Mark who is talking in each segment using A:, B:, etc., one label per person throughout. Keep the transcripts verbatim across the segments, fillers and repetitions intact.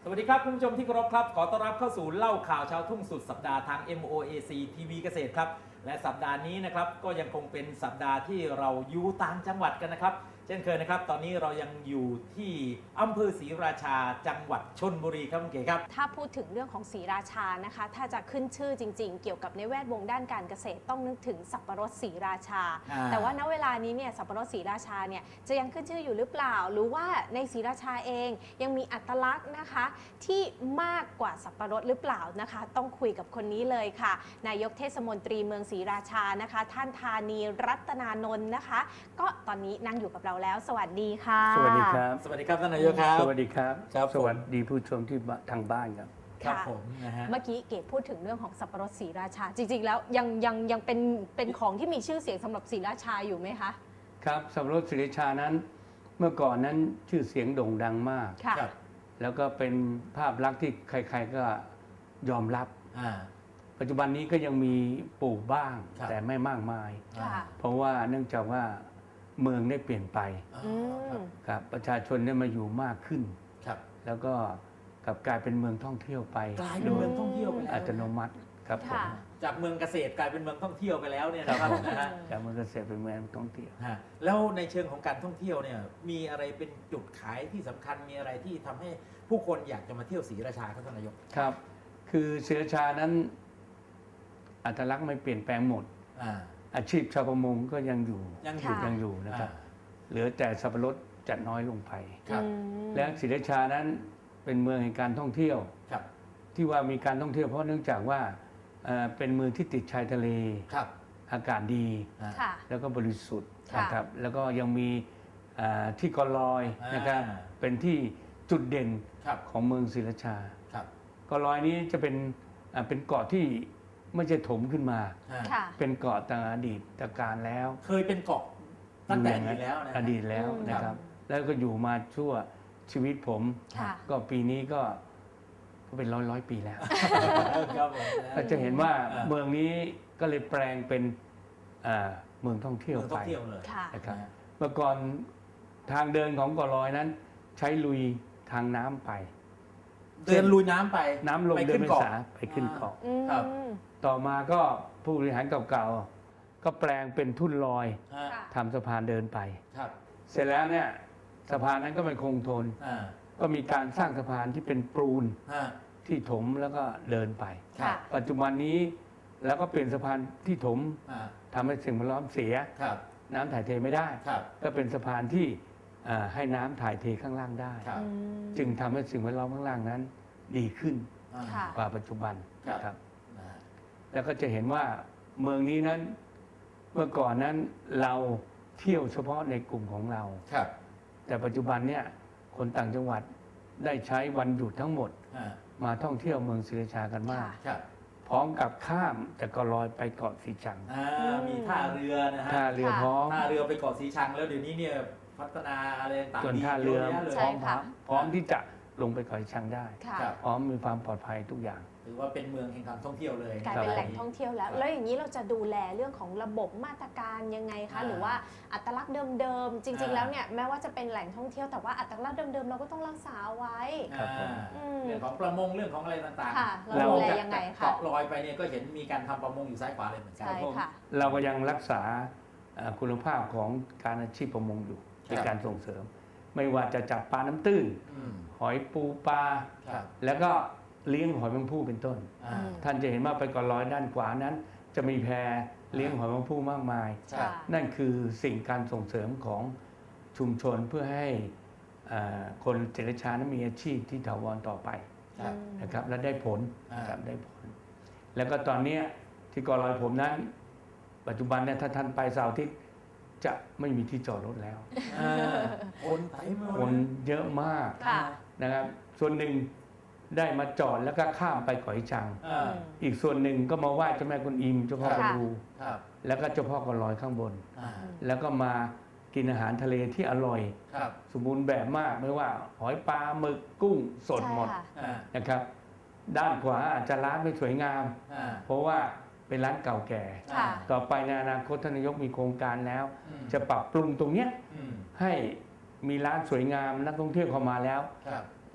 A: สวัสดีครับคุณผู้ชมที่เคารพครับขอต้อนรับเข้าสู่เล่าข่าวชาวทุ่งสุดสัปดาห์ทาง เอ็ม โอ เอ ซี ที วี เกษตรครับและสัปดาห์นี้นะครับก็ยังคงเป็นสัปดาห์ที่เราอยู่ต่างจังหวัดกันนะครับเช่นเคยนะครับตอนนี้เรายังอยู่ที่อำเภอศรีราชาจังหวัดชลบุรีครับคุณเก๋ครับ
B: ถ้าพูดถึงเรื่องของศรีราชานะคะถ้าจะขึ้นชื่อจริงๆเกี่ยวกับในแวดวงด้านการเกษตรต้องนึกถึงสับปะรดศรีราชาแต่ว่าณเวลานี้เนี่ยสับปะรดศรีราชาเนี่ยจะยังขึ้นชื่ออยู่หรือเปล่าหรือว่าในศรีราชาเองยังมีอัตลักษณ์นะคะที่มากกว่าสับปะรดหรือเปล่านะคะต้องคุยกับคนนี้เลยค่ะนายกเทศมนตรีเมืองศรีราชานะคะท่านธานีรัตนานนท์นะคะก็ตอนนี้นั่งอยู่กับเราแล้วสวัสดีค่ะ
C: สวัสดีครับ
A: สวัสดีครับท่านนายกครับ
C: สวัสดีครับ
A: ครับ
C: สวัสดีผู้ชมที่ทางบ้านครับ
A: ครับผมนะฮะ
B: เมื่อกี้เกดพูดถึงเรื่องของสับปะรดศรีราชาจริงๆแล้วยังยังยังเป็นเป็นของที่มีชื่อเสียงสำหรับศรีราชาอยู่ไหมคะ
C: ครับสับปะรดศรีราชานั้นเมื่อก่อนนั้นชื่อเสียงโด่งดังมาก
B: ค่ะ
C: แล้วก็เป็นภาพลักษณ์ที่ใครๆก็ยอมรับปัจจุบันนี้ก็ยังมีปลูกบ้างแต่ไม่มากมายเพราะว่าเนื่องจากว่าเมืองได้เปลี่ยนไปครับประชาชนได้มาอยู่มากขึ้นแล้วก็กลับกลายเป็นเมืองท่องเที่ยวไป
A: กลายเป็นเมืองท่องเที่ยวไปแล้ว
C: อัตโนมัติครับผม
A: จากเมืองเกษตรกลายเป็นเมืองท่องเที่ยวไปแล้วเนี่ยนะครับนะฮะ
C: จากเมืองเกษตรเป็นเมืองท่องเที่ยว
A: แล้วในเชิงของการท่องเที่ยวเนี่ยมีอะไรเป็นจุดขายที่สำคัญมีอะไรที่ทำให้ผู้คนอยากจะมาเที่ยวศรีราชาครับท่านนายก
C: ครับคือศรีราชานั้นอัตลักษณ์ไม่เปลี่ยนแปลงหมดอาชีพชาวประมงก็ยังอยู่
A: ยังอยู่
C: ยังอยู่นะครับเหลือแต่สับปะรดจะน้อยลงไปและศรีราชานั้นเป็นเมืองแห่งการท่องเที่ยวที่ว่ามีการท่องเที่ยวเพราะเนื่องจากว่าเป็นเมืองที่ติดชายทะเลอากาศดีแล้วก็บริสุทธิ์นะครับแล้วก็ยังมีที่เกาะลอยนะครับเป็นที่จุดเด่นของเมืองศรีราชาเกาะลอยนี้จะเป็นเป็นเกาะที่ไม่ใช่ถมขึ้นมาเป็นเกาะตั้งอดีตการแล้ว
A: เคยเป็นเกาะตั้งแต่อดีตแล้วนะ
C: อดีตแล้วนะครับแล้วก็อยู่มาชั่วชีวิตผมก็ปีนี้ก็ก็เป็นร้อยร้อยปีแล้วก็จะเห็นว่าเมืองนี้ก็เลยแปลงเป็นเมืองท่องเที่ยวไปนะครับเมื่อก่อนทางเดินของเกาะลอยนั้นใช้ลุยทางน้ำไป
A: เดินลุยน้ำไป
C: น้ำลงเดินไม่สาไปขึ้นเกาะต่อมาก็ผู้บริหารเก่าๆก็แปลงเป็นทุ่นลอยทำสะพานเดินไปเสร็จแล้วเนี่ยสะพานนั้นก็ไม่คงทนก็มีการสร้างสะพานที่เป็นปูนที่ถมแล้วก็เดินไปปัจจุบันนี้แล้วก็เปลี่ยนสะพานที่ถมทำให้สิ่งแวดล้อมเสียน้ำถ่ายเทไม่ได้ก็เป็นสะพานที่ให้น้ำถ่ายเทข้างล่างได้จึงทำให้สิ่งแวดล้อมข้างล่างนั้นดีขึ้นกว่าปัจจุบันครับแล้วก็จะเห็นว่าเมืองนี้นั้นเมื่อก่อนนั้นเราเที่ยวเฉพาะในกลุ่มของเราแต่ปัจจุบันเนี่ยคนต่างจังหวัดได้ใช้วันหยุดทั้งหมดมาท่องเที่ยวเมืองศรีราชากันมากพร้อมกับข้ามจากเกาะลอยไปเกาะสีชัง
A: มีท่าเรือนะฮะ
C: ท่าเรือพร้อม
A: ท่าเรือไปเกาะสีชังแล้วเดี๋ยวนี้เนี่ยพัฒนาอะไรต่างๆ
C: จนท่าเรือพร้อมพร้อมที่จะลงไปเกาะสีชังได้พร้อมมีความปลอดภัยทุกอย่าง
A: ถือว่าเป็นเมืองแห่งการท่องเที่ยวเลย
B: กลายเป็นแหล่งท่องเที่ยวแล้วแล้วอย่างนี้เราจะดูแลเรื่องของระบบมาตรการยังไงคะหรือว่าอัตลักษณ์เดิมๆจริงๆแล้วเนี่ยแม้ว่าจะเป็นแหล่งท่องเที่ยวแต่ว่าอัตลักษณ์เดิมๆเราก็ต้องรักษาไว้
A: เรื่องของประมงเรื่องของอะไรต่าง
B: ๆเราดูแลยังไงคะ
A: เกาะลอยไปเนี่ยก็เห็นมีการทำประมงอยู่ซ้ายขวาเลยเหมือนกัน
C: เราก็ยังรักษาคุณภาพของการอาชีพประมงอยู่ในการส่งเสริมไม่ว่าจะจับปลาน้ำตื้นหอยปูปลาแล้วก็เลี้ยงหอยแมงภู่เป็นต้นท่านจะเห็นว่าไปเกาะลอยด้านขวานั้นจะมีแพเลี้ยงหอยแมงภู่มากมายนั่นคือสิ่งการส่งเสริมของชุมชนเพื่อให้คนศรีราชานั้นมีอาชีพที่ถาวรต่อไปนะครับและได้ผลนะครับได้ผลแล้วก็ตอนนี้ที่เกาะลอยผมนั้นปัจจุบันเนี่ยถ้าท่านไปเสาร์อาทิตย์จะไม่มีที่จอดรถแล้ว
A: คนเต็ม
C: คนเยอะมากนะครับส่วนหนึ่งได้มาจอดแล้วก็ข้ามไปเกาะสีชังอีกส่วนหนึ่งก็มาไหว้เจ้าแม่กุนอิมเจ้าพ่อกวนอูแล้วก็เจ้าพ่อเกาะลอยข้างบนแล้วก็มากินอาหารทะเลที่อร่อยสมบูรณ์แบบมากไม่ว่าหอยปลาหมึกกุ้งสดหมดนะครับด้านขวาอาจจะร้านไม่สวยงามเพราะว่าเป็นร้านเก่าแก่ต่อไปในอนาคตท่านนายกมีโครงการแล้วจะปรับปรุงตรงนี้ให้มีร้านสวยงามนักท่องเที่ยวเข้ามาแล้ว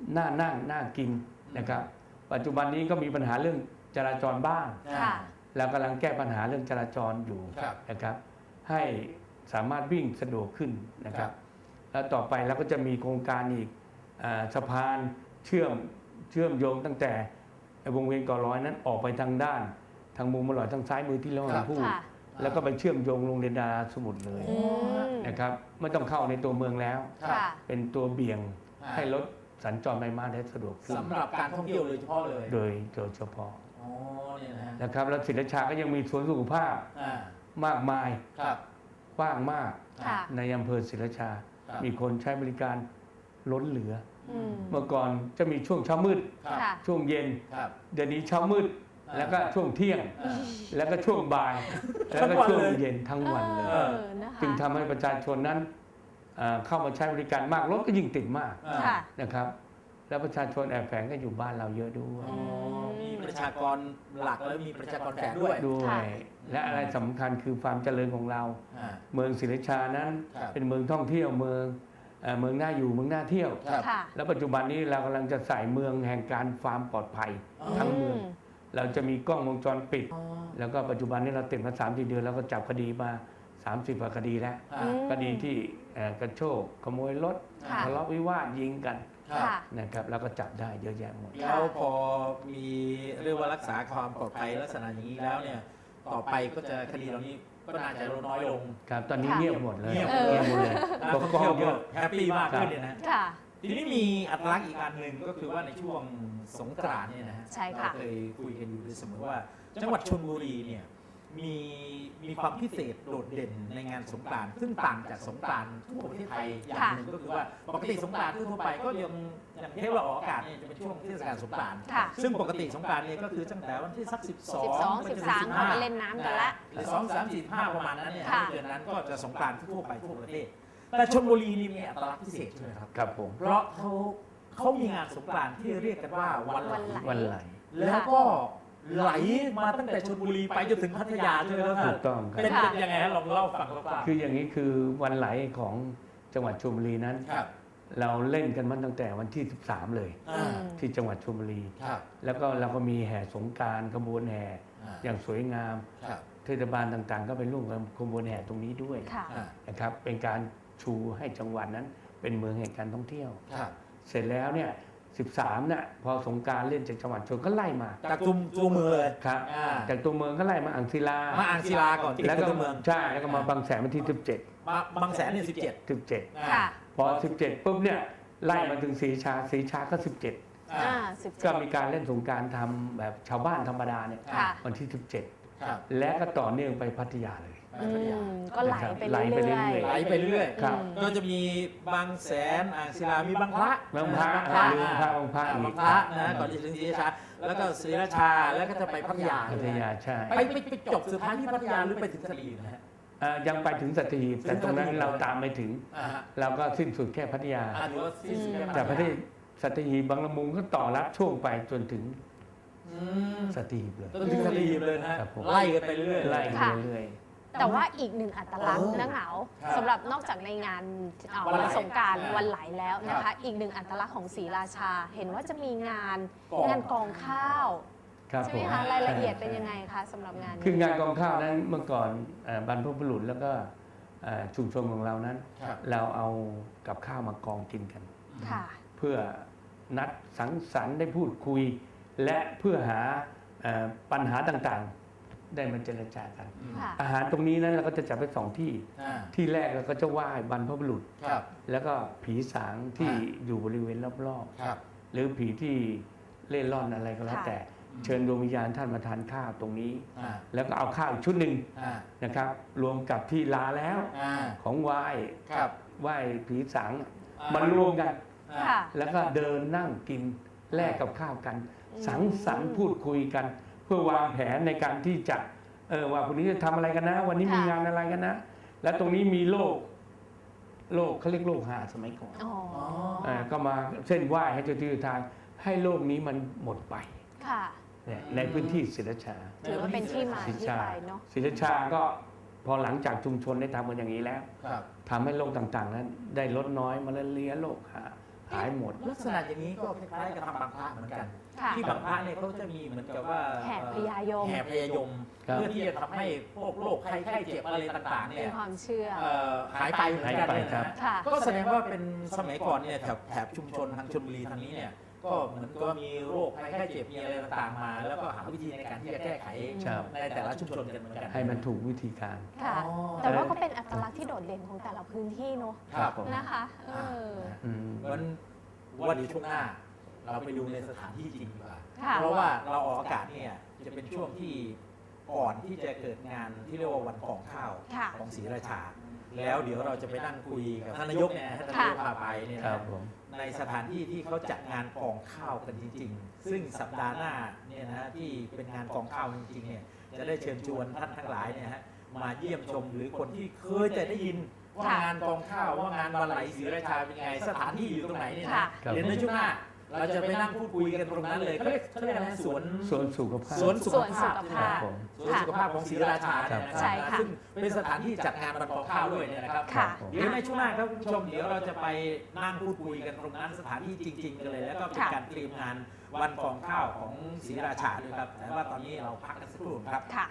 C: น่านั่งน่ากินนะครับปัจจุบันนี้ก็มีปัญหาเรื่องจราจรบ้าง
B: ค่ะ
C: เรากำลังแก้ปัญหาเรื่องจราจรอยู่นะครับให้สามารถวิ่งสะดวกขึ้นนะครับแล้วต่อไปเราก็จะมีโครงการอีกอาสะพานเชื่อมเชื่อมโยงตั้งแต่วงเวียนเกาะร้อยนั้นออกไปทางด้านทางมุมอร่อยทางซ้ายมือที่เราพูด
B: ค่ะ
C: แล้วก็ไปเชื่อมโยงโรงเรียนดาราสมุทรเลย
B: อืม
C: นะครับไม่ต้องเข้าในตัวเมืองแล้ว
B: ค่ะ
C: เป็นตัวเบี่ยงให้รถสัญจรไปมาได้สะดวกขึ้น
A: สำหรับการท่องเที่ยวโดยเฉพาะเลย
C: โดยโดยเฉพาะ
A: อ๋อเนี่ยนะฮะ
C: นะครับแล้วศิลชาก็ยังมีสวนสุขภาพ
A: อ่า
C: มากมาย
A: ครับ
C: กว้างมาก
B: ค่ะ
C: ในอำเภอศิลชา
A: ครับ
C: มีคนใช้บริการล้นเหลือ
B: อืม
C: เมื่อก่อนจะมีช่วงเช้ามืด
A: ครับ
B: ค่ะ
C: ช่วงเย็น
A: ครับ
C: เดี๋ยวนี้เช้ามืด
A: อ่า
C: แล้วก็ช่วงเที่ยง
A: อ่า
C: แล้วก็ช่วงบ่าย แล้วก็ช่วงเย็นทั้งวันเลย
B: เออนะคะ
C: จึงทำให้ประชาชนนั้นเอ่อเข้ามาใช้บริการมากรถก็ยิ่งติดมาก
A: อ่า
B: ค่ะ
C: นะครับ แล้วประชาชนแอบแฝงก็อยู่บ้านเราเยอะด้วย
A: อ๋อมีประชากรหลักแล้วมีประชากรแฝงด้วย
C: ด้ว
B: ค่ะ
C: ย และอะไรสำคัญคือความเจริญของเรา
A: อ่า
C: เมืองศรีราชานั้น
A: ครับ
C: เป็นเมืองท่องเที่ยวเมืองเอ่อเมืองน่าอยู่เมืองน่าเที่ยว
A: ครับ
B: ค่ะ
C: แล้วปัจจุบันนี้เรากำลังจะใส่เมืองแห่งการความปลอดภัย
A: อ๋อ
C: ทั้งเมือง
B: อืม
C: เราจะมีกล้องวงจรปิด
A: อ๋อ
C: แล้วก็ปัจจุบันนี้เราติดมาสามสี่เดือนแล้วก็จับคดีมาสามสิบกว่าคดีแล้ว
A: อ่า
B: อืม
C: คดีที่เอ่อกระโชกขโมยรถ
B: ค่ะ
C: ทะเลาะวิวาทยิงกัน
A: ครับ
B: ค่ะ
C: นะครับแล้วก็จับได้เยอะแยะหมด
A: แล้วพอมีเรียกว่ารักษาความปลอดภัยลักษณะอย่างนี้แล้วเนี่ย ต่อไปก็จะคดีเหล่านี้ก็น่าจะลดน้อยลง
C: ครับตอนนี้
B: ค่ะ
C: เงียบหมดเลย
A: เงียบ
C: เงียบหมดเลย
A: นัก
C: ป
A: ท่
C: ก
A: อง
C: ครอง
A: เที่ยว
C: เย
A: ก็
C: อะ
A: แฮปปี้มากขึ้นเนี่ยนะ
B: ค่ะ
A: ทีนี้มีอัตลักษณ์อีกอันหนึ่งก็คือว่าในช่วงสงกรานต์เนี่ยนะฮะ
B: ใช่ค่ะ
A: เราเคยคุยกันอยู่เสมอว่า จังหวัดชลบุรีเนี่ยมีมีความพิเศษโดดเด่นในงานสงกรานต์ซึ่งต่างจากสงกรานต์ทั่วประเทศไทยอย่างหนึ่งก็คือว่าปกติสงกรานต์ทั่วไปก็ยังอย่างเทปเราออกอากาศเนี่ยจะเป็นช่วงเทศกาลสงกรานต์
B: ค่ะ
A: ซึ่งปกติสงกรานต์เนี่ยก็คือตั้งแต่วันที่สักสิบสอง
B: สิบสองสิบสามเขาไปเล่นน้ำกันละ
A: หรือสองสามสี่ห้าประมาณนั้นเนี่ย
B: ค่ะ
A: เดือนนั้นก็จะสงกรานต์ทั่วไปทั่วประเทศ แต่ชลบุรีนี่มีอัตลักษณ์พิเศษใช่ไหมครับ
C: ครับผม
A: เพราะเขาเขามีงานสงกรานต์ที่เรียกกันว่าวันไหล
C: วันไหล
A: แล้วก็ไหลมาตั้งแต่ชลบุรีไปจนถึงพัทยาใช่ไหมครับ
C: ถูกต้องค
A: เป็น
C: รับ
A: เป็นยังไงฮะลองเล่าฟังคร่าวๆ
C: คืออย่างนี้คือวันไหลของจังหวัดชลบุรีนั้น
A: ครับ
C: เราเล่นกันมาตั้งแต่วันที่สิบสามเลย
A: อ่า
C: ที่จังหวัดชลบุรี
A: ครับ
C: แล้วก็เราก็มีแห่สงกรานต์ขบวนแห่
A: อ่า
C: อย่างสวยงาม
A: ครับ
C: เทศบาลต่างๆ ก็ไปร่วมกับขบวนแห่ตรงนี้ด้วย
B: ค่ะ
A: อ่า
C: นะครับเป็นการชูให้จังหวัดนั้นเป็นเมืองแห่งการท่องเที่ยว
A: ครับ
C: เสร็จแล้วเนี่ยสิบสามเนี่ยพอสงกรารเล่นจากจังหวัดชลก็ไล่มา
A: จากจุมจูเมืองเลย
C: ครับ
A: อ่า
C: จากตัวเมืองก็ไล่มาอ่างศิลา
A: มาอ่างศิลาก่อนติด
C: แล้ว
A: กับ
C: ก็
A: ตัวเมือง
C: ใช่แล้วก็มาบางแสนวันที่สิบเจ็ด
A: มาบางแสนเนี่ยสิบเจ็ด
C: สิบเจ็ด
B: ค่ะ
C: พอสิบเจ็ดปุ๊บเนี่ยไล่มาถึงศรีชาศรีชาก็สิบเจ็ด
B: อ่าสิบ
C: ก็
B: เจ็ด
C: มีการเล่นสงกรารทำแบบชาวบ้านธรรมดาเนี่ย
B: ค่ะ
C: วันที่สิบเจ็ด
A: ครับ
C: และก็ต่อเนื่องไปพัทยาเลย
B: อืมก็ไหลไป
C: ไหลไปเรื่
B: เรื่
C: อ
B: อย ย
A: ไหลไปเรื่อย
C: ครับ
B: อืม
A: ก็จะมีบางแสนอ่างศิลา มีบางพระ
C: บางพระ
A: บางพระ
C: ลืมพระบางพระ
A: อ่า
C: อีก
A: บางพระนะก่อนที่จะถึงศรีราชา แล้วก็ศรีราชา แล้วก็จะไปพัทยา
C: พัทยาใช่
A: ไปไปไปจบสุดท้ายที่พัทยาหรือไปถึงสลีนะฮะ
C: อ่ายังไปถึงสัตหีบแต่ตรงนั้นเราตามไม่ถึง
A: อ่าฮะ
C: เราก็สิ้นสุดแค่พัทยา
A: อ่าถือว่าสิ้นสุดแค่
C: จากประเทศสัตหีบบางละมุงก็ต่อรับช่วงไปจนถึง
A: อืม
C: สัตหีบเลย
A: จนถึงสลีเลยนะฮะ
C: ครับผม
A: ไล่กันไปเรื่อยๆ
C: ไล่กัน
B: ค่ะ
C: เรื่อย
B: แต่ว่าอีกหนึ่งอัตลักษณ์
A: เออ
B: นะเหงา
A: ครับ
B: สำหรับนอกจากในงานเอ่อ
A: วันไหล
B: วันสงกราร
A: อ่า
B: วันไหลแล้วนะ
A: ครั
B: คะ
A: บ
B: อีกหนึ่งอัตลักษณ์ของศรีราชา เห็นว่าจะมีงาน
A: กอง
B: งานกองข้าว
C: ๆครับ
B: ใช่
C: ผ
B: ไหม
C: ม
B: คะรายละเอียดเป็นยังไงคะสำหรับงาน
C: คื
B: นี้
C: องานกองข้าวนั้นเมื่อก่อนเอ่อบรรพบุรุษแล้วก็เอ่อชุมชนของเรานั้น
A: ครับ
C: เราเอากับข้าวมากองกินกัน
B: ค่ะ
C: เพื่อนัดสังสรรค์ได้พูดคุย และเพื่อหาเอ่อปัญหาต่างๆ ได้มาเจรจากัน
A: อืม
B: ค่ะ
C: อาหารตรงนี้นั้นเราก็จะจัดไปสองที่
A: อ่า
C: ที่แรกเราก็จะไหว้บรรพบุรุษ
A: ครับ
C: แล้วก็ผีสางที่
A: อ่า
C: อยู่บริเวณรอบ
A: ครับ
C: ๆ หรือผีที่เล่ร่อนอะไรก็แล้ว
B: ค่ะ
C: แต่เชิญดวงวิญญาณท่านมาทานข้าวตรงนี้
A: อ่า
C: แล้วก็เอาข้าวอีกชุดหนึ่ง
A: อ่า
C: นะครับ รวมกับที่ลาแล้ว
A: อ่า
C: ของไหว้
A: ครับ
C: ไหว้ผีสาง
A: อ่
C: มารวมกัน
A: อ่า
B: ค่ะ
C: แล้วก็เดินนั่งกินแลกกับข้าวกัน
B: อืม
C: สังสรรค์พูดคุยกัน เพื่อวางแผนในการที่จะเออว่าวันนี้จะทำอะไรกันนะ วันนี้มี
B: ค่ะ
C: งานอะไรกันนะ และตรงนี้มีโลกโลกเขาเรียกโลกหาสมัยก่อน
B: อ๋อ
C: เอ่อก็มาเส้นไหว้ให้เจ้าที่เจ้าทางให้โลกนี้มันหมดไป
B: ค่ะ
C: เนี่ยในพื้นที่ศิลชา
B: ถือว่าเป็นที่มา
C: ศิล
B: ที่
C: ชา
B: ไปเนาะ
C: ศิลชาก็พอหลังจากชุมชนได้ทำกันอย่างนี้แล้ว
A: ครับ
C: ทำให้โรคต่างๆนั้นได้ลดน้อยมาลาเรียโรคหาหขายหมด
A: ลักษณะอย่างนี้ก็คล้ายๆกับทำบางพระเหมือนกัน
B: ค่ะ
A: ที่บางพระเนี่ยเขาจะมีเหมือนกับว่า
B: แห่พญายม
A: แห่พญายม
C: ครับ
A: เพื่อที่จะทำให้พวกโรคภัยไข้เจ็บอะไรต่างๆเนี่
B: เป็
A: ย
B: นความเชื่อ
A: เอ่อหายไปเหมือนกันเนี่ย
C: หายไปครั
A: นะ
C: บ
B: ค่ะ
A: ก็แสดงว่าเป็นสมัยก่อนเนี่ยแถบแถบชุมชนทางชลบุรีทางนี้เนี่ยก็เหมือนก็มีโรคภัยไข้เจ็บมีอะไรต่างๆมา แล้วก็หาวิธีในการที่จะแก้ไข
C: ครับ
A: ในแต่ละชุมชนกันเหมือนกัน
C: ให้มันถูกวิธีการ
B: ค่ะ
A: อ๋อ
B: แต่ว่าก็เป็นอัตลักษณ์ที่โดดเด่นของแต่ละพื้นที่เนอะ
A: ครับผม
B: นะคะเออ
C: อืม
A: วันวันนี้ช่วงหน้า เราไปดูในสถานที่จริงดีกว่า
B: ค่ะ
A: เพราะว่าเราออกอากาศเนี่ยจะเป็นช่วงที่ก่อนที่จะเกิดงานที่เรียกว่าวันกองข้าว
B: ค่ะ
A: ของศรีราชา แล้วเดี๋ยวเราจะไปนั่งคุยกับท่านนายกเนี่ยท่านนายกพาไปเนี่ย
C: ครั
A: นะ
C: บผม
A: ในสถานที่ที่เขาจัดงานกองข้าวกันจริง ๆ ซึ่งสัปดาห์หน้าเนี่ยนะฮะที่เป็นงานกองข้าวจริงๆเนี่ยจะได้เชิญชวนท่านทั้งหลายเนี่ยฮะมาเยี่ยมชมหรือคนที่เคยจะได้ยินว่า
B: ค่ะ
A: งานกองข้าวว่างานวันไหลศรีราชาเป็นไงสถานที่อยู่ตรงไหนเนี่ย
B: ค่ะ
A: นะเดี๋ยวในช่วงหน้าเราจะไปนั่งพูดคุยกันตรงนั้นเลยเขาเรียกเขาเรียกอะไรนะสวน
C: สวนสุขภาพ
A: สวนสุข
B: สวนสุ
A: ภาพ
B: ข
A: ใช่ไหม
B: ภาพ
C: ผม
A: สวนสุขภาพของศรีราชาเนี่ยนะ
B: ใช่
A: ครับ
B: ค่ะ
A: ซึ่งเป็นสถานที่จัดงานวันกองข้าวด้วยเนี่ยนะครับ
B: ค่ะ
A: เดี๋ยวในช่วงหน้าครับคุณผู้ชมเดี๋ยวเราจะไปนั่งพูดคุยกันตรงนั้นสถานที่จริง ๆ กันเลย แล้วก็เป็น
B: ค่ะ
A: การเตรียมงานวันกองข้าวของศรีราชาด้วยครับแต่ว่าตอนนี้เราพักกันสักครู่ครับ
B: ค่ะ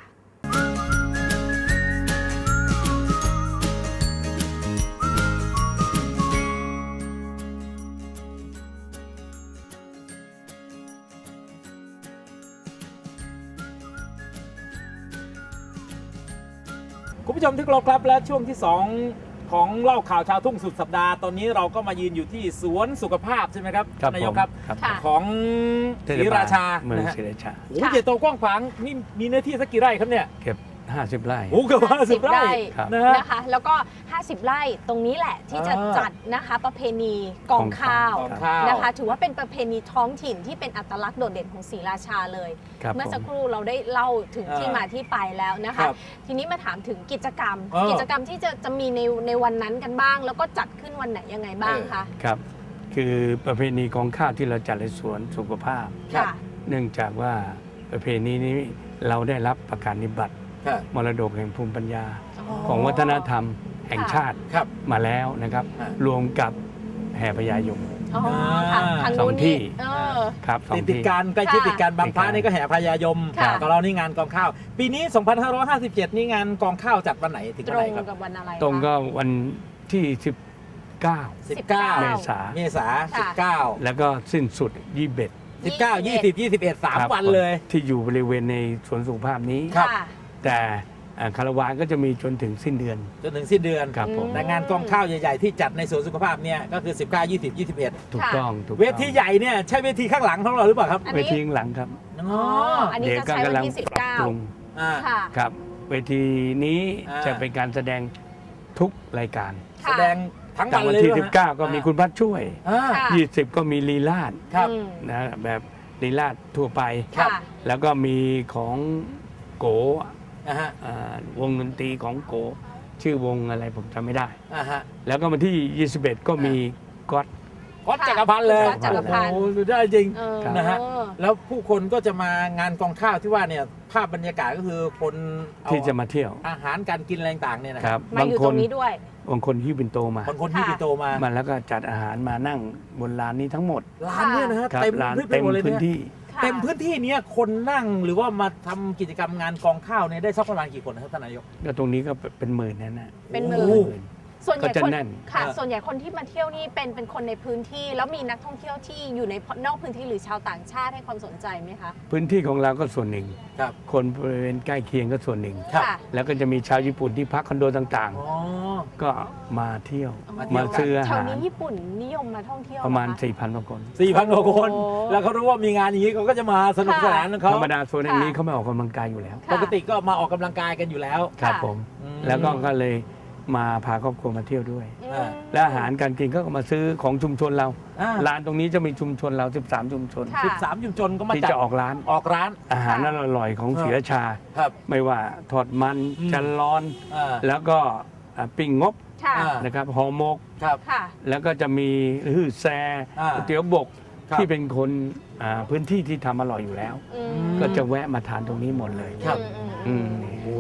A: คุณผู้ชมที่เคารพครับและช่วงที่สองของเล่าข่าวชาวทุ่งสุดสัปดาห์ตอนนี้เราก็มายืนอยู่ที่สวนสุขภาพใช่ไหมครับ
C: ครับ
A: นายกครับ
C: ผมครับ
B: ค่ะ
A: ของศรีราชา
C: เมือง
A: นะฮะ
C: ศรีราชา
A: โอ้โหใหญ่โตกว้างขวางนี่มีเนื้อที่สักกี่ไร่ครับเนี่ย
C: เก็บห้าสิบไร่
A: โอ้โหเกือบห้าสิบไร่
C: ครับ
A: นะฮะ
B: นะคะ แล้วก็ ห้าสิบ ไร่ตรงนี้แหละที่จะ
A: อ่า
B: จัดนะคะประเพณีกองข้าว
A: กองข้าว
B: นะคะ ถือว่าเป็นประเพณีท้องถิ่นที่เป็นอัตลักษณ์โดดเด่นของศรีราชาเลย
C: ครับ
B: เมื่อสัก
C: ผม
B: ครู่เราได้เล่าถึงที่
A: อ่าม
B: มาที่ไปแล้วนะ
A: ครั
B: คะ
A: บ
B: ทีนี้มาถามถึงกิจกรรม
A: เออ
B: กิจกรรมที่จะจะมีในในวันนั้นกันบ้าง แล้วก็จัดขึ้นวันไหนยังไงบ้างคะ
C: ครับ คือประเพณีกองข้าวที่เราจัดในสวนสุขภาพ
A: ครับ
B: ค่ะ
C: เนื่องจากว่าประเพณีนี้เราได้รับประกาศนิบัติ
A: ครับ
C: มรดกแห่งภูมิปัญญา
B: อ๋อ
C: ของวัฒนธรรมแห่งชาติ
A: ครับ
C: มาแล้วนะครับ
A: อ่ะ
C: รวมกับแห่พญายม
B: อ๋อค่ะทาง
C: สอง
B: นู้น
C: ที่
B: นี่เออ
C: ครับสอง
A: ติดติด
C: ที่
A: การใกล้ชิด
B: ค่ะ
A: ติดการบางพระ
C: ติดกัน
A: นี่ก็แห่พญายม
B: ค่ะ
A: กับเรานี่งานกองข้าว ปีนี้ สองพันห้าร้อยห้าสิบเจ็ด นี่งานกองข้าวจัดวันไหนถึง
B: ต
A: วัน
B: ร
A: ไหน
B: ง
A: ครับ
B: กับวันอะไรคะ
C: ตรงก็วันที่สิบเก้า
A: สิบเก้า
C: เมษา
A: เมษา
B: ค่ะ
A: สิบเก้า
C: แล้วก็สิ้นสุดยี่สิบเอ็ด
A: สิบเก้า ยี่สิบ ยี่สิบเอ็ด สาม
C: ครับ
A: วันเลย
C: ที่อยู่บริเวณในสวนสุขภาพนี้
A: ครับ
B: ค่ะ
C: แต่อ่าคาราวานก็จะมีจนถึงสิ้นเดือน
A: จนถึงสิ้นเดือน
C: ครับผม
A: แต่งานกองข้าวใหญ่ๆที่จัดในสวนสุขภาพเนี่ยก็คือ สิบเก้า ยี่สิบ ยี่สิบเอ็ด
C: ถูกต้องถูกต้อง
A: เวทีใหญ่เนี่ยใช่เวทีข้างหลังของเราหรือเปล่าครับ
B: อันนี้
C: เวทีข้างหลังครับ
A: อ๋อ
B: อ๋ออันนี้
C: เดี๋ยว
B: จะ
C: ก็
B: ใช้วัน
C: กำลัง
B: ที่ สิบ
C: ปรับ
B: เก้า
C: ปรุง
A: อ่า
B: ค่ะ
C: ครับ เวทีนี้
A: อ่า
C: จะเป็นการแสดงทุกรายการ
A: แสดงทั้ง
C: แต่
A: วัน
C: วัน
A: เลย
C: ที่
A: หรอฮะ
C: สิบเก้าก็มีคุณพัดช่วย
A: อ่า
B: ค่ะ
C: ยี่สิบก็มีลีลาด
A: ครับ
B: อืม
C: นะแบบลีลาดทั่วไป
B: ค่ะ
C: แล้วก็มีของโก
A: นะฮะ
C: อ่าวงดนตรีของโก ชื่อวงอะไรผมจำไม่ได้
A: อ่าฮะ
C: แล้วก็วันที่ยี่สิบเอ็ดก็มีก๊อต
A: ก๊อตจักรพันธ์เลย
B: ก๊อตจักรพันธ์
A: โอ้โหสุดยอดจริง
B: เออ
A: นะฮะ แล้วผู้คนก็จะมางานกองข้าวที่ว่าเนี่ยภาพบรรยากาศก็คือคนเอา
C: ที่จะมาเที่ยว
A: อาหารการกินอะไรต่างๆเนี่ยนะ
C: ครับ
B: มา
C: บาง
B: อยู่
C: ค
B: ตร
C: น
B: งนี้ด้วย
C: บางคนที่บินโตมา
A: บางคนที่
B: ค่ะ
A: พี่โตมา
C: มาแล้วก็จัดอาหารมานั่งบนลานนี้ทั้งหมด
A: ร้านเนี่ยนะฮะ
C: ครับ
A: เต็ม
C: ลาน
A: พื้นไป
C: เต็ม
A: หมดเลย
C: พื้น
A: เนี่ย
C: ที่
B: ค่ะ
A: เต็มพื้นที่เนี้ยคนนั่งหรือว่ามาทำกิจกรรมงานกองข้าวเนี่ยได้สักประมาณกี่คนนะครับท่านนายก
C: ก็ตรงนี้ก็เป็นหมื่นนั่นนะ
B: เป็นหมื่
A: โอ้
B: น
A: โห
B: ส่วนใหญ่
C: ก็จะ
B: คน
C: แน่น
B: ค่ะ
A: เออ
B: ส่วนใหญ่คนที่มาเที่ยวนี่เป็นเป็นคนในพื้นที่ แล้วมีนักท่องเที่ยวที่อยู่ในนอกพื้นที่หรือชาวต่างชาติให้ความสนใจไหมคะ
C: พื้นที่ของเราก็ส่วนหนึ่ง
A: ครับ
C: คนบริเวณใกล้เคียงก็ส่วนหนึ่ง
A: ครับ
B: ค่ะ
C: แล้วก็จะมีชาวญี่ปุ่นที่พักคอนโดต่าง
A: อ๋อ
C: ๆ ก็มาเที่ยว
A: มาเที่ยว
C: มาซื้ออา
B: แถว
C: หาร
B: นี้ญี่ปุ่นนิยมมาท่องเที่ยว
C: ประมาณ
B: เหอค
C: สี่พันกว่าคน
A: สี่พันกว่าคน
B: โอ้
A: แล้วเขารู้ว่ามีงานอย่างนี้เขาก็จะมาสนุกสนานของเขา
C: ธรรมดาโซนอย่างนี้
B: ค่ะ
C: เขาไม่ออกกำลังกายอยู่แล้ว
B: ค่ะ
A: ปกติก็มาออกกำลังกายกันอยู่แล้ว
C: ครับ
B: ค่ะ
C: ผม
A: อืม
C: แล้วก็ก็เลยมาพาครอบครัวมาเที่ยวด้วย
B: อืม
C: และอาหารการกินก็มาซื้อของชุมชนเรา
A: อ่า
C: ร้านตรงนี้จะมีชุมชนเรา สิบสาม ชุมชน
B: ค่ะ
A: สิบสามชุมชนก็มา
C: ที่
A: จัด
C: จะออกร้าน
A: ออกร้าน
C: อาหารอร่อยๆของศรีราชา
A: ครับ
C: ไม่ว่าทอดมัน
A: อืม
C: จันร้อน
A: อ่า
C: แล้วก็อ่าปิ้งงบ
B: ค่ะ
A: อ่า
C: นะครับห่อหมก
A: ครับ
B: ค่ะ
C: แล้วก็จะมีฮือแซ
A: อ่า
C: ก๋วยเตี๋ยวบก
A: ครับ
C: ที่เป็นคนอ่าพื้นที่ที่ทำอร่อยอยู่แล้ว
B: อืม
A: ม
C: ก็จะแวะมาทานตรงนี้หมดเลย
A: ครับ
B: อืม
C: อื
B: อื
C: ม
B: ม
A: โอ้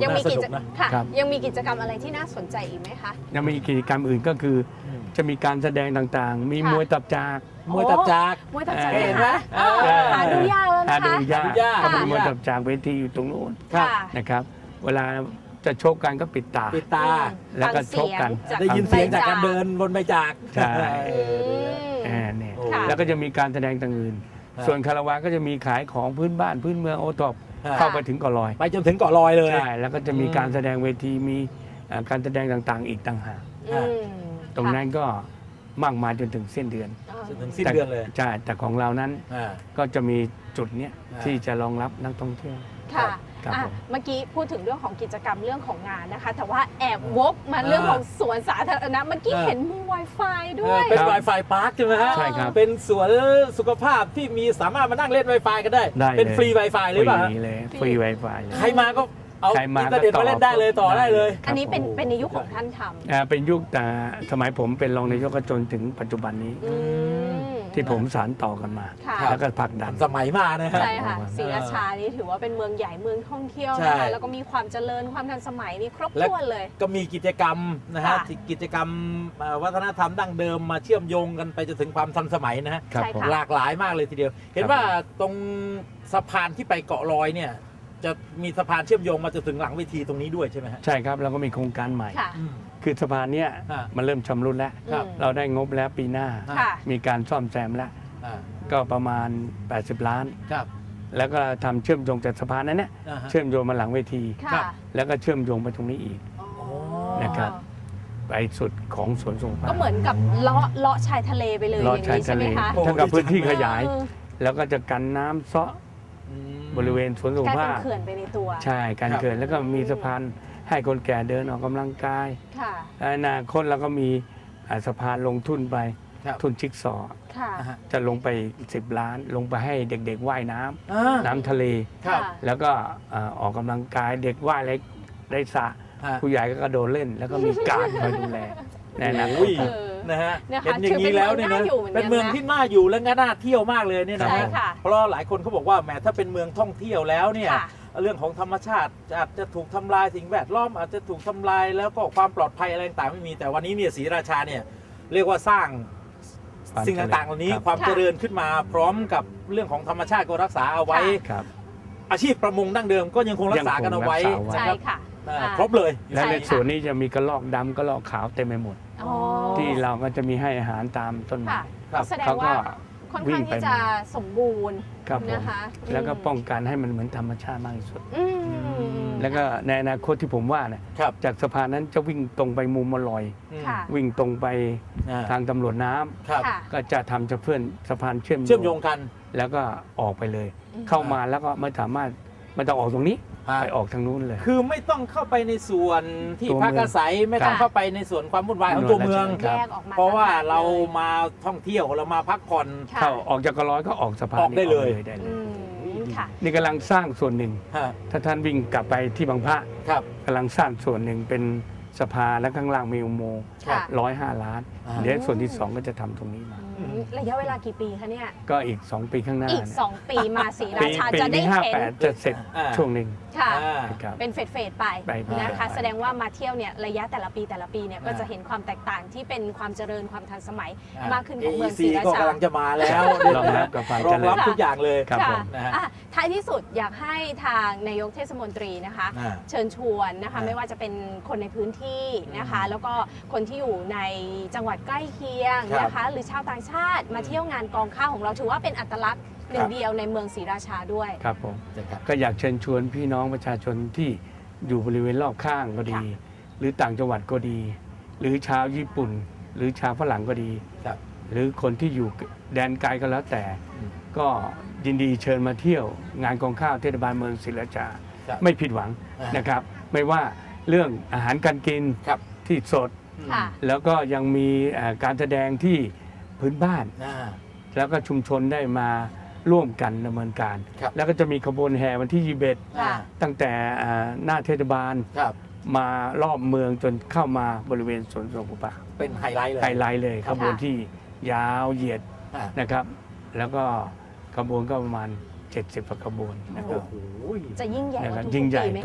B: ยังมี
A: น่าส
B: กิ
A: นุ
B: จ
A: กนะ
B: ค่ะ
C: ครับ
B: ยังมีกิจกรรมอะไรที่น่าสนใจอีกไหมคะ
C: ยังมีกิจกรรมอื่นก็คืออ
A: ม
C: จะมีการแสดงต่างๆ มี
B: ค่ะ
C: มวยตับจาก
A: มวยตับจาก
B: มวยตับจาก
C: เออ
B: เห็นไหม
A: เออ
B: หาดูยากแล้ว
C: หา
B: นะ
C: ดู
B: คะ
C: ยาก
A: หาดูยาก
C: ก็มีมวยตับจากเวทีอยู่ตรงนู้น
A: ครับ
B: ค่ะ
C: นะครับ เวลาจะชกกันก็ปิดตา
A: ปิดตา
C: แล้วก็ชกกัน
B: ฟัง
A: ได้ยินเสียงจากการ
B: ใบ
A: เดินบนใบจาก
C: ใช่
A: เอ
B: อื
A: อ
B: ม
C: อ่าเนี่ย
A: โอ้
B: ค่ะ
C: แล้วก็จะมีการแสดงต่างอื่น
A: ครับ
C: ส่วนคาราวานก็จะมีขายของพื้นบ้านพื้นเมืองโอท็อป
A: ครับ
C: เข้าไปถึงเกาะลอย
A: ไปจนถึงเกาะลอยเลย
C: ใช่แล้วก็จะมี
A: อืม
C: การแสดงเวทีมีอ่าการแสดงต่างๆ อีกต่างหาก
B: อืม
C: ตรงนั้นก็มากมายจนถึงสิ้นเดือน
B: ค่ะ
A: จนถึงสิ้นเดือนเลย
C: ใช่แต่ของเรานั้น
A: อ่า
C: ก็จะมีจุดเนี้ย
A: อ่า
C: ที่จะรองรับนักท่องเที่ยว
B: ค่ะ
C: ครับ
B: อ่ะ
C: ผม
B: เมื่อกี้พูดถึงเรื่องของกิจกรรมเรื่องของงานนะคะ แต่ว่าแอบวกมาเรื่องของสวนสาธารณะเมื่อกี้
A: อ่า
B: เห็นมี Wi-Fi ด้
A: เอ
B: ว
A: อย เป็น Wi-Fi พาร์คใช่ไหมฮะ
C: ใช่ครับ
A: เป็นสวนสุขภาพที่มีสามารถมานั่งเล่น Wi-Fi กันได้
C: ได้
A: เป็น
C: เลย
A: ฟรี Wi-Fi หรือเปล่า
C: ฟ
A: ฮะ
C: รีเลยฟรี Wi-Fi เลย
A: ใครมาก็เอา
C: ใครมา
A: อินเทอร์เน็ต
C: ก็ต่อ
A: มาเล่นได้เลยต่อได้เลย
C: ครับ
B: อันนี้เป็น
A: โอ้โห
B: เป็นในยุคของท่านทำ
C: อ่าเป็นยุคแต่สมัยผมเป็นรองนายกจนถึงปัจจุบันนี้
B: อืม
C: ที่ผมสานต่อกันมา
B: ค่ะ
C: แล้วก็ผลักดัน
A: สมัยมานะฮะ
B: ใช่ค่ะ
C: ครับ
B: ศรีราชานี่ถือว่าเป็นเมืองใหญ่เมืองท่องเที่ยว
A: ใช่
B: นะคะแล้วก็มีความเจริญความทันสมัยนี่ครบ
A: และ
B: ถ้วนเลย
A: ก็มีกิจกรรมนะฮะ
B: ค่ะ
A: ที่กิจกรรมเอ่อวัฒนธรรมดั้งเดิมมาเชื่อมโยงกันไปจนถึงความทันสมัยนะฮะ
C: ครับ
B: ใช่
C: ผม
B: ค่ะ
A: หลากหลายมากเลยทีเดียว เห็น
C: ครับ
A: ว่าตรงสะพานที่ไปเกาะลอยเนี่ย จะมีสะพานเชื่อมโยงมาจนถึงหลังเวทีตรงนี้ด้วยใช่ไหมฮะ
C: ใช่ครับเราก็มีโครงการใหม่
B: ค่ะ
A: อืม
C: คือสะพานเนี้ย
A: อ่า
C: มันเริ่มชำรุดแล้ว
A: ครับ
B: อืม
C: เราได้งบแล้วปีหน้า
B: ค่ะ
C: มีการซ่อมแซมแล้ว
A: อ่า
C: ก็ประมาณ แปดสิบ ล้าน
A: ครับ
C: แล้วก็ทำเชื่อมโยงจากสะพานนั้นเนี่ย
A: อ่าฮะ
C: เชื่อมโยงมาหลังเวที
A: ครั
B: ค่ะ
A: บ
C: แล้วก็เชื่อมโยงไปตรงนี้อีก
B: อ๋อ
C: นะครับ ไปสุดของสวนสงขลา
B: ก็เหมือนกับเลาะเลาะชายทะเลไปเลยอ
C: เลาะ
B: ย่าง
C: ชาย
B: นี้ใช่
C: ทะ
B: ไห
C: เล
B: มคะ
A: โอ้
C: เท่ากับพื้นที่
A: ดีจัง
C: ขยาย
B: เออ
C: แล้วก็จะกันน้ำเซาะ
A: อืม
C: บริเวณสวนสง
B: กลาย
C: ข
B: เป็
C: ลาน
B: เขื่อนไปในตัว
C: ใช่การ
A: ครับ
C: เกิดแล้วก็มีสะพานให้คนแก่เดินออกกำลังกาย
B: ค่ะ
C: อนาคตเราก็มีอ่าสะพานลงทุนไป
A: ครับ
C: ทุนชิกซอว์
B: ค่ะ
A: อ่าฮะ
C: จะลงไปสิบล้าน ลงไปให้เด็กๆว่ายน้ำ
A: อ่า
C: น้ำทะเล
A: ครับ
C: แล้วก็อ่าออกกำลังกายเด็กว่ายอะไรได้สระ
A: ฮะ
C: ผู้ใหญ่ก็กระโดดเล่น แล้วก็มีการคอยดูแลในอนาค
A: อุ้
C: ต
A: ย
C: ครับ
B: เออ
A: นะฮะ
B: นะคะ
A: เห็นอย่างนี้แล้วเนี่ยนะ
B: ถือเป็
A: เป็น น
B: เมื
A: เมื
B: อ
A: อง ง
B: ที่
A: ที่
B: น่า
A: น่าอยู่และก็น่าเที่ยวมากเลยเนี่ยนะ
B: ใช่
A: ฮะ
B: ค่ะ
A: เพราะหลายคนเขาบอกว่าแหมถ้าเป็นเมืองท่องเที่ยวแล้วเนี่ย
B: ค่ะ
A: เรื่องของธรรมชาติอาจจะถูกทำลายสิ่งแวดล้อมอาจจะถูกทำลายแล้วก็ความปลอดภัยอะไรต่างๆไม่มีแต่วันนี้เนี่ยศรีราชาเนี่ยเรียกว่าสร้าง
C: ความ
A: สิ่งต่างๆเหล่านี้
C: ครับ
A: ความ
B: ค่ะ
A: เจริญขึ้นมาพร้อมกับเรื่องของธรรมชาติก็รักษาเอาไว้
C: ครับ
A: อาชีพประมงดั้งเดิมก็ยังคงรักษากันเอาไว้
C: ยังคงรักษาไว้
B: ใช่
A: นะครับ
B: ค่ะ
A: อ่า
B: อ่า
A: ครบเลย
C: และ
B: ใช่
C: ใน
B: ค่ะ
C: ส่วนนี้จะมีกระรอกดำกระรอกขาวเต็มไปหมด
B: อ๋อ
C: ที่เราก็จะมีให้อาหารตามต้นไม้
B: ค่ะ
A: ครับ
B: แสดง
C: เขาก็
B: ว่าค่อนข้างที่จะสมบูรณ์
C: ครับผม
B: นะคะ
C: แล้วก็
B: อืม
C: ป้องกันให้มันเหมือนธรรมชาติมากที่สุด
B: อืม
C: แล้วก็ในอนาคตที่ผมว่าเนี่ย
A: ครับ
C: จากสะพานนั้นจะวิ่งตรงไปมุมมลอย
A: อืม
B: ค่ะ
C: วิ่งตรงไป
A: อ่า
C: ทางตำรวจน้ำ
A: ครับ
B: ค่ะ
C: ก็จะทำจะเพื่อนสะพานเชื่อม
A: เชื่อมโยงกัน
C: แล้วก็ออกไปเลย
B: อืม
C: เข้ามาแล้วก็ไม่สามารถไม่ต้องออกตรงนี้
A: อ่า
C: ไปออกทางนู้นเลย
A: คือไม่ต้องเข้าไปในส่วนที่
C: ตัวเมื
A: พั
C: อง
A: กอาศัยไม่ต้อง
B: ค่ะ
A: เข้าไปในส่วนความวุ่นวายของตัวเมือง
C: ค
B: แย
C: รับ
B: กออกมา
A: เพราะว่า
B: ต่งหก
A: เรา
B: ลย
A: มาท่องเที่ยวเรามาพักผ่อน
B: ค่ะ
C: เข้าออกจากกระร้อยก็ออกสะพาน
A: ออกได้เลย
C: ได้เล
B: อื
C: ย
B: มค่ะ
C: นี่กำลังสร้างส่วนหนึ่ง
A: ฮะ
C: ถ้าท่านวิ่งกลับไปที่บางพระ
A: ครับ
C: กำลังสร้างส่วนหนึ่งเป็นสะพานและข้างล่างมีอุโมงค์
B: ค่ะ
C: ร้อยห้าล้าน
A: อ่า
C: เดี๋ยวส่วนที่สองก็จะทำตรงนี้มา
B: อืมระยะเวลากี่ปีคะเนี่ย
C: ก็อีกสองปีข้างหน้า
B: อีก
C: เนี่ย
B: สองปีมาศรีรา
C: ปี
B: ชา
C: ปี
B: จะได้
C: ที่ห้า
B: เห็น
C: แปดจะเสร็จ
A: อ่า
C: ช่วงหนึ่ง
B: ค่ะ
A: อ่า
C: ครับ
B: เป็นเฟสเฟสๆไป
C: ไปไป
B: นะคะ
C: ไป
B: แสดงว่ามาเที่ยวเนี่ยระยะแต่ละปีแต่ละปีเนี่ยก็
A: อ่า
B: จะเห็นความแตกต่างที่เป็นความเจริญความทันสมัย
A: อ่
B: มากขึ้นของเมืองศรี
A: เอ
B: รา
A: ก็
B: ชา
A: กำลังจะมาแล้ว
C: รองรับกับความ
A: ร
C: เจ
A: อง
C: ริ
A: รับ
C: ญ
A: ทุกอย่างเลย
C: ครับ
B: ค่ะ
C: ผม
A: นะฮะ
B: อ่ะท้ายที่สุดอยากให้ทางนายกเทศมนตรีนะคะ
A: อ่า
B: เชิญชวนนะคะ
A: อ่า
B: ไม่ว่าจะเป็นคนในพื้นที่นะคะ
A: อืม
B: แล้วก็คนที่อยู่ในจังหวัดใกล้เคียง
A: ครับ
B: นะคะ หรือชาวต่างชาติมาเที่ยวงานกองข้าวของเราถือว่าเป็นอัตลักษณ์หนึ่
A: ครั
B: ง
A: บ
B: เดียวในเมืองศรีราชาด้วย
C: ครับผม
A: ใช่ครับ
C: ก็อยากเชิญชวนพี่น้องประชาชนที่อยู่บริเวณรอบข้างก็ดี
B: ค่ะ
C: หรือต่างจังหวัดก็ดี หรือชาวญี่ปุ่น หรือชาวฝรั่งก็ดี
A: ครับ
C: หรือคนที่อยู่แดนไกลก็แล้วแต่
A: อืม
C: ก็ยินดีเชิญมาเที่ยวงานกองข้าวเทศบาลเมืองศรีราชา
A: ครับ
C: ไม่ผิดหวัง
A: อ่าน
C: นะครับ ไม่ว่าเรื่องอาหารการกิน
A: ครับ
C: ที่สด
B: ค่ะ
C: แล้วก็ยังมีเอ่อการแสดงที่พื้นบ้าน
A: อ่า
C: แล้วก็ชุมชนได้มาร่วมกันดำเนินการ
A: ครับ
C: แล้วก็จะมีขบวนแห่วันที่ยี่สิบเอ็ด
B: ค่ะ
C: ตั้งแต่อ่าหน้าเทศบาล
A: ครับ
C: มารอบเมืองจนเข้ามาบริเวณสวนสนุกป่า
A: เป็นไฮไลท์เลย
C: ไฮไลท์เลย
A: ค
C: ข
A: รับ
C: บวนที่ยาวเหยียด
A: อ่า
C: นะครับ แล้วก็ขบวนก็ประมาณเจ็ดสิบกว่าขบวนนะค
A: โอ้
C: รับ
A: โห
B: จะยิ่งใหญ่กว่า
C: นะครับ
B: ทุก
C: ยิ่งใหญ่
B: ปีไหม
C: ทุก
B: คะ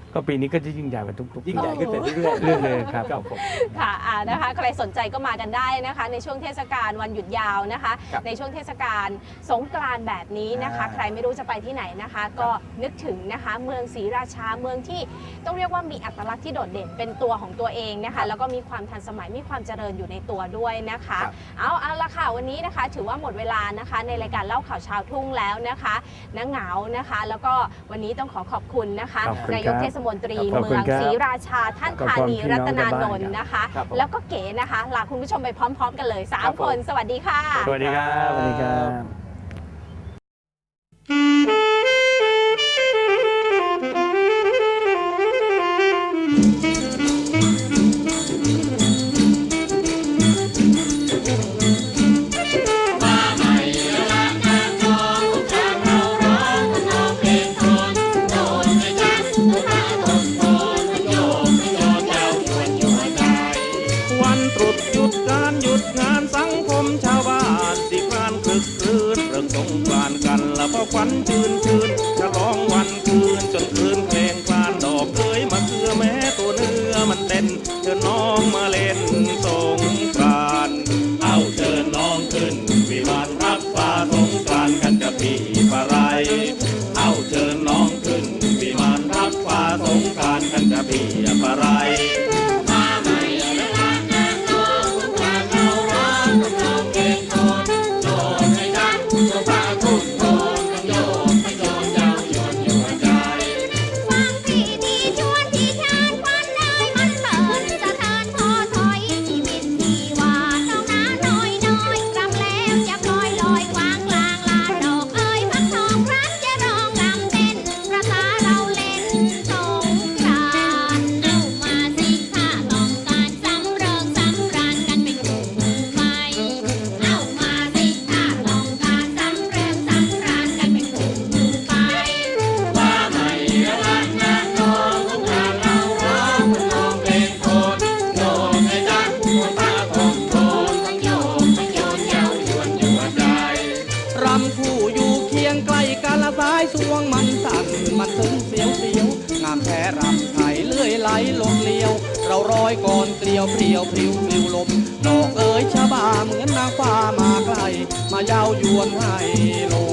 C: ก็ปีนี้ก็จะยิ่งใหญ่กว่าทุกๆ
A: ยิ่งใหญ่ขึ้นไปเรื่อยๆ
C: เรื่อยๆครับ
A: ครับผม
B: ค่ะอ่านะคะใครสนใจก็มากันได้นะคะ ในช่วงเทศกาลวันหยุดยาวนะคะ
A: ครับ
B: ในช่วงเทศกาลสงกรานต์แบบนี้นะคะ
A: อ่า
B: ใครไม่รู้จะไปที่ไหนนะคะ ก็นึกถึงนะคะเมืองศรีราชาเมืองที่ต้องเรียกว่ามีอัตลักษณ์ที่โดดเด่นเป็นตัวของตัวเองนะ
A: ครั
B: คะ
A: บ
B: แล้วก็มีความทันสมัยมีความเจริญอยู่ในตัวด้วยนะคะ
A: ครับ
B: เอาเอาละค่ะวันนี้นะคะถือว่าหมดเวลานะคะในรายการเล่าข่าวชาวทุ่งแล้วนะคะน้าเหงานะคะ แล้วก็วันนี้ต้องขอขอบคุณนะคะ
C: ขอบคุณ
B: นายก
C: ครับ
B: เทศมนตรี
C: ขอบ
B: เมื
C: คุณ
B: อง
C: ครับ
B: ศรีราชาท่าน
C: ขอบ
B: ธา
C: คุณ
B: นี
C: พี่น้
B: รั
C: อง
B: ตนาน
C: ชาวบ้าน
B: นท์นะคะ
A: ครับผม
B: แล้วก็เก๋นะคะลาคุณผู้ชมไปพร้อม ๆ กันเลย
A: ครั
B: สาม
A: บผม
B: คน สวัสดีค่ะ
C: สวัสดีครับสวัสดีครับ
D: วันตรุษหยุดการหยุดงานสังคมชาวบ้านสิพรานคลึกครื้นเรื่องสงกรานต์กันละเพราะควันชื่นชื่นฉลองวันคืนจนคืนเพลงคลานดอกเอ้ยมาเคือแม้ตัวเนื้อมันเต้นเชิญน้องมาเล่นสงกรานต์เอาเชิญน้องขึ้นวิมานรับฟ้าสงกรานต์กันจะพี่ปะไรเอาเชิญน้องขึ้นวิมานรับฟ้าสงกรานต์กันจะพี่ปะไร
E: ฟังพี่ดีชวนที่ชาญควันเลยมันเถินสะเทินพอถอยชีวิตที่ว่าน้องน้าน้อยน้อยกำแล้วจะปล่อยลอยกวางกลางลานดอกเอ้ยพักทองรักจะร้องรำเต้นประสาเราเล่นสงกรานต์เอามาสิถ้าต้องการสำเริงสำราญกันเป็นกลุ่มไปเอามาสิถ้าต้องการสำเริงสำราญกันเป็นกลุ่มไป
D: รำคู่อยู่เคียงใกล้กันละสายสวงมันสั่นมันซึ้งเสียวเสียวงามแท้รำไทยเลื่อยไหลลมเลียว เราร้อยก่อนเกลียวเพรียวพริ้วปลิวลมดอกเอ๋ยชะบาเหมือนนางฟ้ามาไกล มาเย้ายวนให้ลง